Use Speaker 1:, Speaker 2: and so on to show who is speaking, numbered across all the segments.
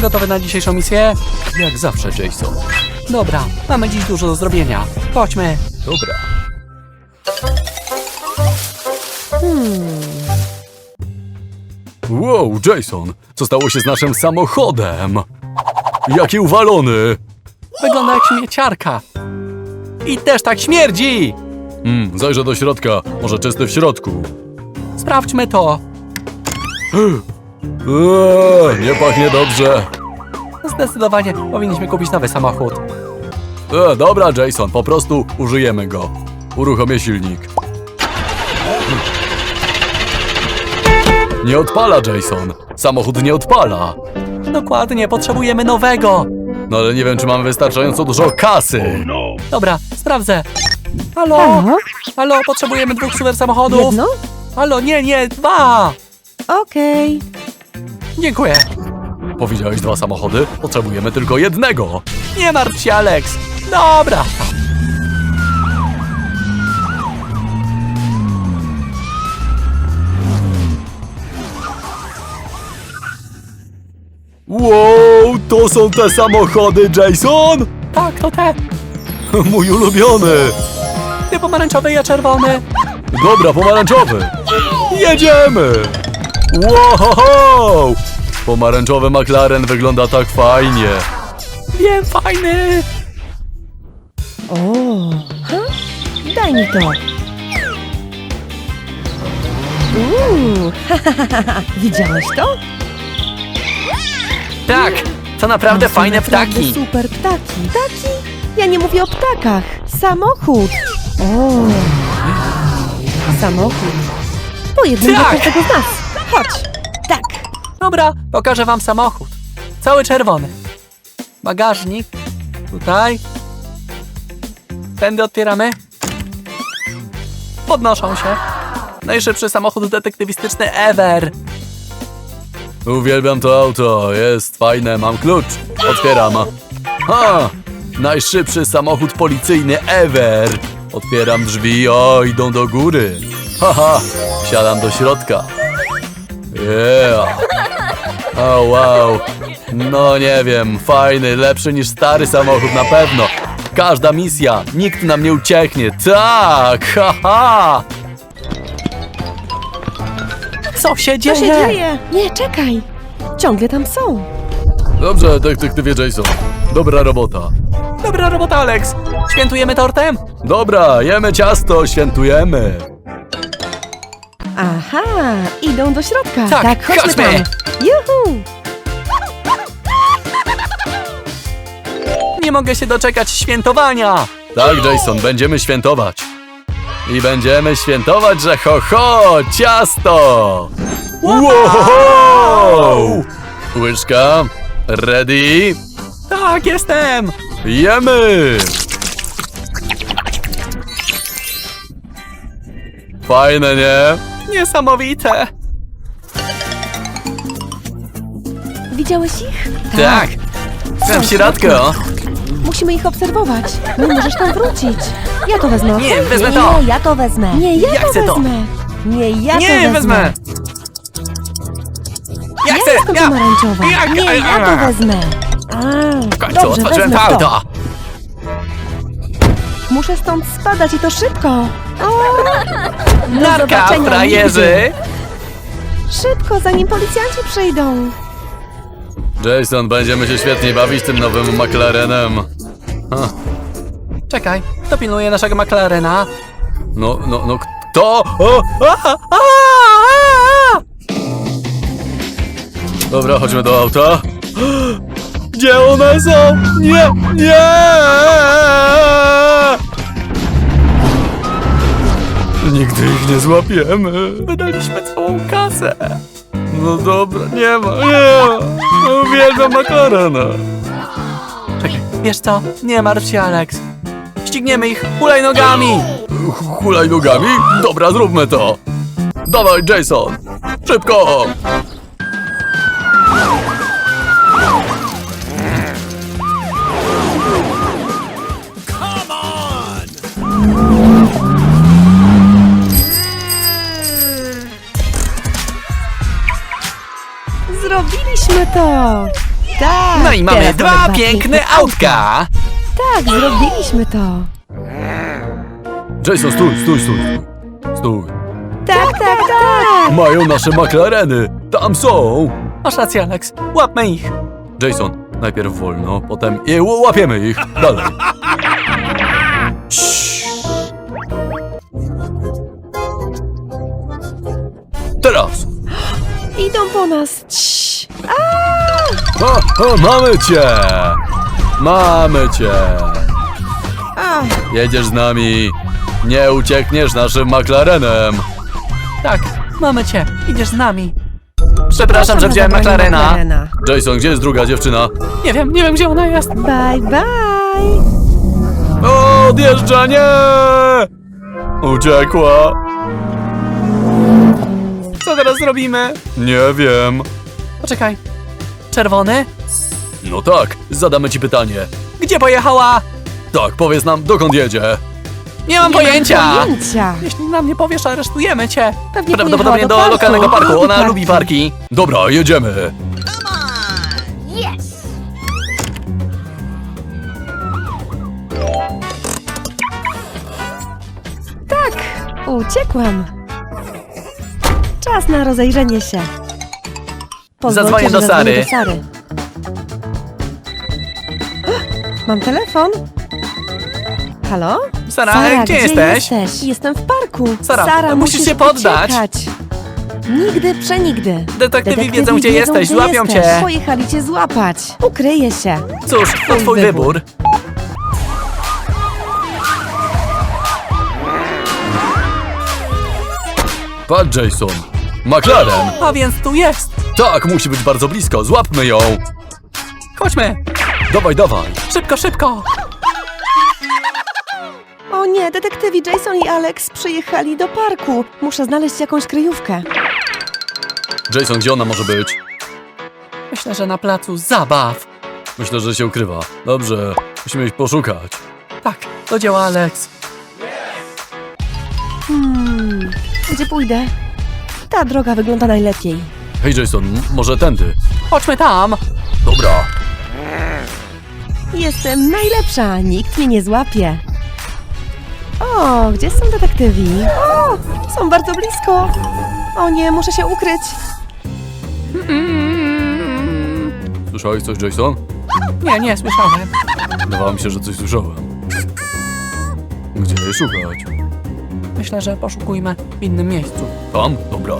Speaker 1: Gotowy na dzisiejszą misję?
Speaker 2: Jak zawsze, Jason.
Speaker 1: Dobra, mamy dziś dużo do zrobienia. Chodźmy.
Speaker 2: Dobra. Wow, Jason, co stało się z naszym samochodem? Jaki uwalony!
Speaker 1: Wygląda jak śmieciarka. I też tak śmierdzi!
Speaker 2: Zajrzę do środka, może czysty w środku.
Speaker 1: Sprawdźmy to.
Speaker 2: Nie pachnie dobrze.
Speaker 1: Zdecydowanie powinniśmy kupić nowy samochód.
Speaker 2: Dobra, Jason, po prostu użyjemy go. Uruchomię silnik. Nie odpala, Jason. Samochód nie odpala.
Speaker 1: Dokładnie, potrzebujemy nowego.
Speaker 2: No ale nie wiem, czy mamy wystarczająco dużo kasy.
Speaker 1: Dobra, sprawdzę. Halo?
Speaker 3: Halo?
Speaker 1: Halo, potrzebujemy 2 super samochodów.
Speaker 3: Jedno?
Speaker 1: Halo, nie, 2.
Speaker 3: Okej.
Speaker 1: Dziękuję.
Speaker 2: Powiedziałeś 2 samochody? Potrzebujemy tylko jednego.
Speaker 1: Nie martw się, Alex. Dobra.
Speaker 2: Wow, to są te samochody, Jason?
Speaker 1: Tak, to te.
Speaker 2: Mój ulubiony.
Speaker 1: Ty pomarańczowy, ja czerwony.
Speaker 2: Dobra, pomarańczowy. Jedziemy. Wow! Pomarańczowy McLaren wygląda tak fajnie.
Speaker 1: Wiem, fajny.
Speaker 3: O, daj mi to. Widziałeś to?
Speaker 1: Tak, to naprawdę
Speaker 3: To są
Speaker 1: fajne
Speaker 3: naprawdę
Speaker 1: ptaki.
Speaker 3: Super ptaki. Ptaki? Ja nie mówię o ptakach. Samochód. O, samochód. Po jednym dla
Speaker 1: Tak.
Speaker 3: każdego z nas. Chodź. Tak.
Speaker 1: Dobra, pokażę wam samochód. Cały czerwony. Bagażnik. Tutaj. Tędy otwieramy. Podnoszą się. Najszybszy samochód detektywistyczny ever.
Speaker 2: Uwielbiam to auto, jest fajne, mam klucz. Otwieram. Ha! Najszybszy samochód policyjny ever. Otwieram drzwi, idą do góry. Haha, wsiadam do środka. Yeah. O wow. No nie wiem, fajny, lepszy niż stary samochód na pewno. Każda misja, nikt nam nie ucieknie. Tak, haha.
Speaker 1: Co się
Speaker 3: Co
Speaker 1: dzieje?
Speaker 3: się dzieje? Nie, czekaj. Ciągle tam są.
Speaker 2: Dobrze, detektywie Jason. Dobra robota.
Speaker 1: Dobra robota, Alex. Świętujemy tortem?
Speaker 2: Dobra, jemy ciasto, świętujemy.
Speaker 3: Aha, idą do środka.
Speaker 1: Tak,
Speaker 3: chodźmy
Speaker 1: chodźmy.
Speaker 3: tam. Juhu!
Speaker 1: Nie mogę się doczekać świętowania.
Speaker 2: Tak, Jason, będziemy świętować. I będziemy świętować, że ciasto! Wow! Łyżka, ready,
Speaker 1: Tak, jestem.
Speaker 2: jemy! Fajne, nie?
Speaker 1: Niesamowite.
Speaker 3: Widziałeś ich?
Speaker 1: Tak. Tam w środku.
Speaker 3: Musimy ich obserwować. Nie możesz tam wrócić. Ja to wezmę.
Speaker 1: Nie,
Speaker 3: okej?
Speaker 1: wezmę to.
Speaker 3: Nie, ja to wezmę. Nie, ja,
Speaker 1: Ja
Speaker 3: to
Speaker 1: chcę to.
Speaker 3: wezmę. Nie, ja
Speaker 1: Nie,
Speaker 3: to
Speaker 1: wezmę. Ja
Speaker 3: Ja
Speaker 1: chcę.
Speaker 3: jestem pomarańczowa. Nie, ja to wezmę.
Speaker 1: W końcu
Speaker 3: Dobrze,
Speaker 1: otworzyłem
Speaker 3: wezmę
Speaker 1: to auto.
Speaker 3: Muszę stąd spadać i to szybko. Do
Speaker 1: Narka,
Speaker 3: zobaczenia
Speaker 1: frajerzy.
Speaker 3: nigdy. Szybko, zanim policjanci przyjdą.
Speaker 2: Jason, będziemy się świetnie bawić tym nowym McLarenem.
Speaker 1: Czekaj, kto pilnuje naszego McLarena?
Speaker 2: No, kto? O! Dobra, chodźmy do auta. Gdzie one są? Nie! Nigdy ich nie złapiemy.
Speaker 1: Wydaliśmy całą kasę.
Speaker 2: No dobra, nie ma. Uwielbiam McLarena.
Speaker 1: Czekaj, wiesz co? Nie martw się, Alex. Ścigniemy ich hulajnogami.
Speaker 2: Hulajnogami? Dobra, zróbmy to. Dawaj, Jason. Szybko.
Speaker 3: Zrobiliśmy to! Tak.
Speaker 1: No i mamy
Speaker 3: teraz
Speaker 1: dwa piękne autka.
Speaker 3: Tak, zrobiliśmy to.
Speaker 2: Jason, stój.
Speaker 3: Tak.
Speaker 2: Mają nasze McLareny. Tam są.
Speaker 1: Masz rację, Alex. Łapmy ich.
Speaker 2: Jason, najpierw wolno, potem łapiemy ich. Dalej. Ciii. Teraz.
Speaker 3: Idą po nas. Cii.
Speaker 2: Mamy cię.
Speaker 3: A,
Speaker 2: Jedziesz z nami. Nie uciekniesz naszym McLarenem.
Speaker 1: Tak, mamy cię. Idziesz z nami. Przepraszam, że wziąłem
Speaker 3: zabranie
Speaker 1: McLarena.
Speaker 2: Jason, gdzie jest druga dziewczyna?
Speaker 1: Nie wiem, gdzie ona jest.
Speaker 3: Bye.
Speaker 2: Odjeżdża, nie! Uciekła.
Speaker 1: Co teraz zrobimy?
Speaker 2: Nie wiem.
Speaker 1: Poczekaj. Czerwony?
Speaker 2: No tak, zadamy ci pytanie.
Speaker 1: Gdzie pojechała?
Speaker 2: Tak, powiedz nam, dokąd jedzie.
Speaker 1: Nie mam pojęcia.
Speaker 3: Pojęcia.
Speaker 1: Jeśli nam nie powiesz, aresztujemy cię.
Speaker 3: Pewnie
Speaker 1: Prawdopodobnie
Speaker 3: pojechała
Speaker 1: do lokalnego parku. Ona
Speaker 3: Parku.
Speaker 1: lubi parki.
Speaker 2: Dobra, jedziemy.
Speaker 3: Tak, uciekłam. Czas na rozejrzenie się. Pozwólcie,
Speaker 1: Zadzwonię do
Speaker 3: że
Speaker 1: Sary.
Speaker 3: zadzwonię do Mam telefon. Halo?
Speaker 1: Sara, gdzie jesteś?
Speaker 3: Jestem w parku.
Speaker 1: Sara, musisz się poddać.
Speaker 3: Uciekać. Nigdy, przenigdy.
Speaker 1: Detektywi wiedzą, gdzie jesteś. Złapią cię.
Speaker 3: Pojechali cię złapać. Ukryję się.
Speaker 1: Cóż, to twój wybór.
Speaker 2: Patrz, Jason. McLaren.
Speaker 1: A więc tu jest.
Speaker 2: Tak, musi być bardzo blisko. Złapmy ją.
Speaker 1: Chodźmy.
Speaker 2: Dawaj.
Speaker 1: Szybko.
Speaker 3: O nie, detektywi Jason i Alex przyjechali do parku. Muszę znaleźć jakąś kryjówkę.
Speaker 2: Jason, gdzie ona może być?
Speaker 1: Myślę, że na placu zabaw.
Speaker 2: Myślę, że się ukrywa. Dobrze, musimy ich poszukać.
Speaker 1: Tak, do dzieła, Alex.
Speaker 3: Gdzie pójdę? Ta droga wygląda najlepiej.
Speaker 2: Hej, Jason, może tędy?
Speaker 1: Chodźmy tam.
Speaker 2: Dobra.
Speaker 3: Jestem najlepsza, nikt mnie nie złapie. O, gdzie są detektywi? O, są bardzo blisko. O nie, muszę się ukryć.
Speaker 2: Słyszałeś coś, Jason?
Speaker 1: Nie słyszałem.
Speaker 2: Wydawało mi się, że coś słyszałem. Gdzie jej szukać?
Speaker 1: Myślę, że poszukujmy w innym miejscu.
Speaker 2: Tam? Dobra.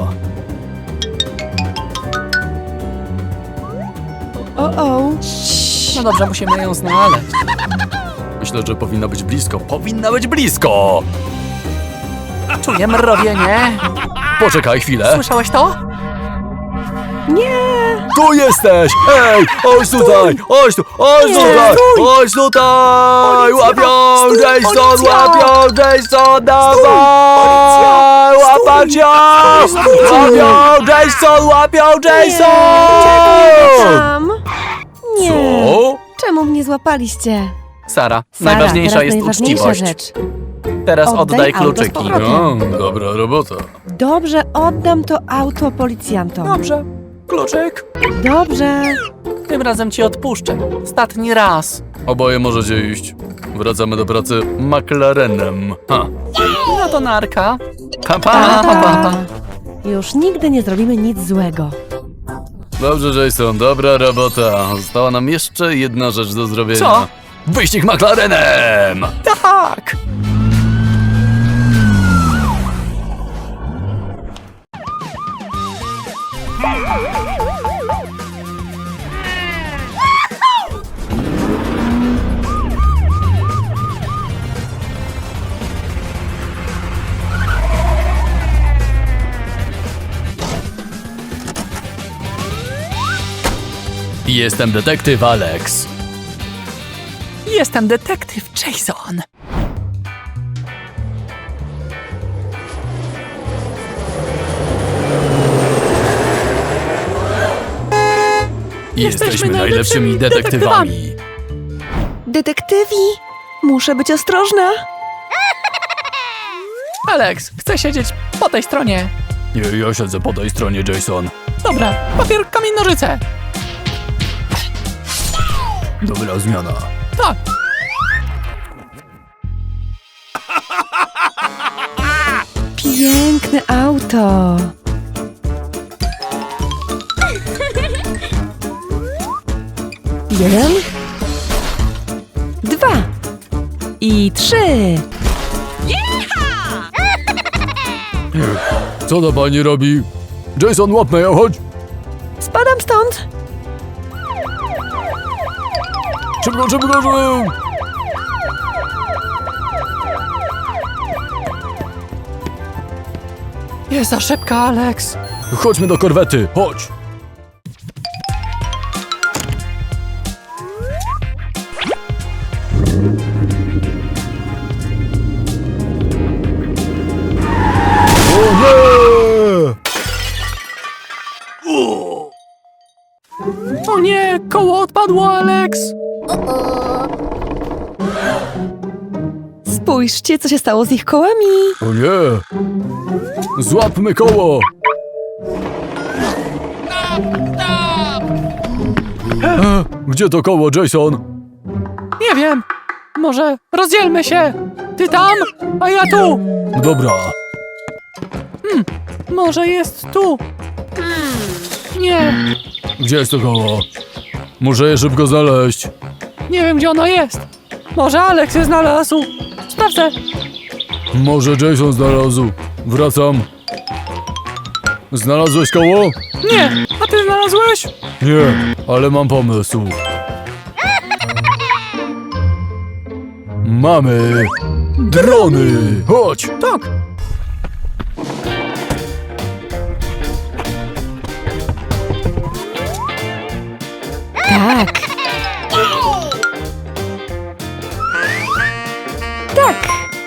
Speaker 3: O.
Speaker 1: No dobrze, musimy ją znaleźć.
Speaker 2: Myślę, że powinna być blisko. Powinna być blisko!
Speaker 1: Czuję mrowienie.
Speaker 2: Poczekaj chwilę.
Speaker 1: Słyszałeś to?
Speaker 3: Nie,
Speaker 2: Tu jesteś! Ej! Chodź tutaj! Chodź tu! Chodź
Speaker 3: Nie,
Speaker 2: tutaj!
Speaker 3: stój!
Speaker 2: Chodź tutaj!
Speaker 1: Policja!
Speaker 2: Łapią!
Speaker 1: Stój,
Speaker 2: Jason!
Speaker 1: policja!
Speaker 2: Łapią! Jason! Dawaj!
Speaker 1: policja!
Speaker 2: Łapać ją! Łapią! Jason! Łapią! Jason!
Speaker 3: tam. Nie.
Speaker 2: Co?
Speaker 3: Czemu mnie złapaliście?
Speaker 1: Sara,
Speaker 3: Sara,
Speaker 1: najważniejsza
Speaker 3: teraz
Speaker 1: jest
Speaker 3: najważniejsza
Speaker 1: uczciwość.
Speaker 3: rzecz.
Speaker 1: Teraz
Speaker 3: Oddaj
Speaker 1: oddaj
Speaker 3: auto z
Speaker 1: kluczyki.
Speaker 3: powrotem.
Speaker 2: No, dobra robota.
Speaker 3: Dobrze, oddam to auto policjantom.
Speaker 1: Dobrze. Kluczyk.
Speaker 3: Dobrze.
Speaker 1: Tym razem ci odpuszczę. Ostatni raz.
Speaker 2: Oboje możecie iść. Wracamy do pracy McLarenem. Ha.
Speaker 1: No to narka. Pa,
Speaker 3: Pa.
Speaker 1: pa.
Speaker 3: Już nigdy nie zrobimy nic złego.
Speaker 2: Dobrze, Jason, dobra robota. Została nam jeszcze jedna rzecz do zrobienia.
Speaker 1: Co?
Speaker 2: Wyścig McLarenem!
Speaker 1: Tak.
Speaker 2: Jestem detektyw Alex.
Speaker 1: Jestem detektyw Jason.
Speaker 2: Jesteśmy najlepszymi detektywami.
Speaker 3: Detektywi, muszę być ostrożna.
Speaker 1: Alex, chcę siedzieć po tej stronie.
Speaker 2: Nie, ja siedzę po tej stronie, Jason.
Speaker 1: Dobra, papier, kamień, nożyce.
Speaker 2: Dobra zmiana.
Speaker 1: Tak.
Speaker 3: Piękne auto. Jeden. 2. I 3.
Speaker 2: Co ta pani robi? Jason, łapmy ją, chodź!
Speaker 3: Spadam stąd.
Speaker 2: Szybko, szybko, szybko!
Speaker 1: Jest za szybka, Alex.
Speaker 2: Chodźmy do korwety, chodź! O nie!
Speaker 1: O nie, koło odpadło, Alex.
Speaker 3: Spójrzcie, co się stało z ich kołami.
Speaker 2: O nie! Złapmy koło! Gdzie to koło, Jason?
Speaker 1: Nie wiem. Może rozdzielmy się. Ty tam, a ja tu.
Speaker 2: Dobra.
Speaker 1: Może jest tu. Nie,
Speaker 2: Gdzie jest to koło? Muszę je szybko znaleźć.
Speaker 1: nie wiem, gdzie ono jest. Może Alex je znalazł. Sprawdzę.
Speaker 2: Może Jason znalazł. Wracam. Znalazłeś koło?
Speaker 1: Nie, a ty znalazłeś?
Speaker 2: Nie, ale mam pomysł. Mamy drony! Chodź!
Speaker 1: Tak.
Speaker 3: Tak. Tak.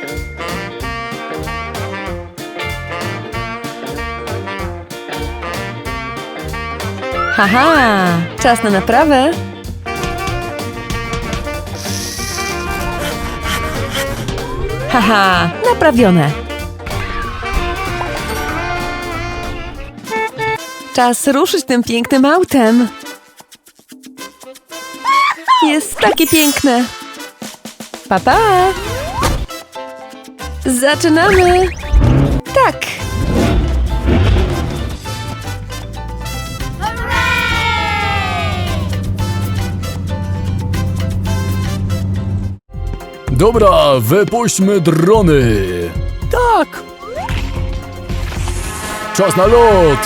Speaker 3: Haha, czas na naprawę. Haha, naprawione. Czas ruszyć tym pięknym autem. Jest takie piękne. Pa, pa. Zaczynamy. Tak.
Speaker 2: Dobra, wypuśćmy drony!
Speaker 1: Tak.
Speaker 2: Czas na lot!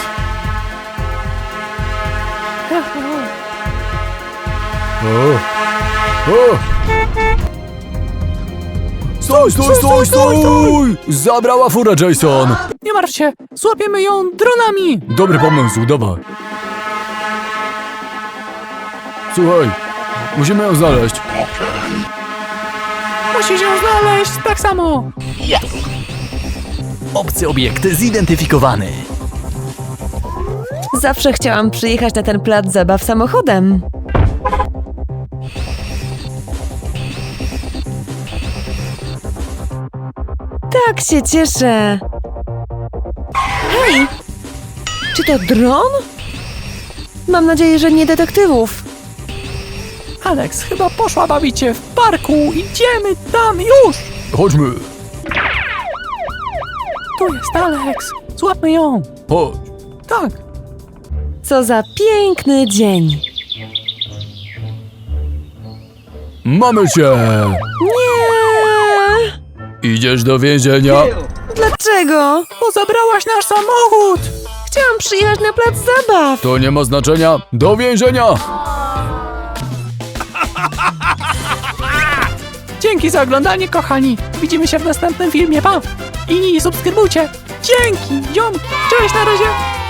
Speaker 2: O. O. Stój, stój, stój, stój! Zabrała fura, Jason!
Speaker 1: Nie martw się, złapiemy ją dronami.
Speaker 2: Dobry pomysł, dawaj. Słuchaj, musimy ją znaleźć.
Speaker 1: Musisz ją znaleźć tak samo.
Speaker 4: Obcy obiekt zidentyfikowany.
Speaker 3: Zawsze chciałam przyjechać na ten plac zabaw samochodem. Tak się cieszę. Hej! Czy to dron? Mam nadzieję, że nie detektywów.
Speaker 1: Alex chyba poszła bawić się w parku. Idziemy tam już.
Speaker 2: Chodźmy.
Speaker 1: Tu jest Alex. Złapmy ją.
Speaker 2: Chodź.
Speaker 1: Tak.
Speaker 3: Co za piękny dzień.
Speaker 2: Mamy cię!
Speaker 3: Nie!
Speaker 2: Idziesz do więzienia?
Speaker 3: Dlaczego?
Speaker 1: Bo zabrałaś nasz samochód.
Speaker 3: Chciałam przyjechać na plac zabaw.
Speaker 2: To nie ma znaczenia. Do więzienia!
Speaker 1: Dzięki za oglądanie, kochani. Widzimy się w następnym filmie. Pa! I subskrybujcie. Dzięki, ziom. Cześć, na razie.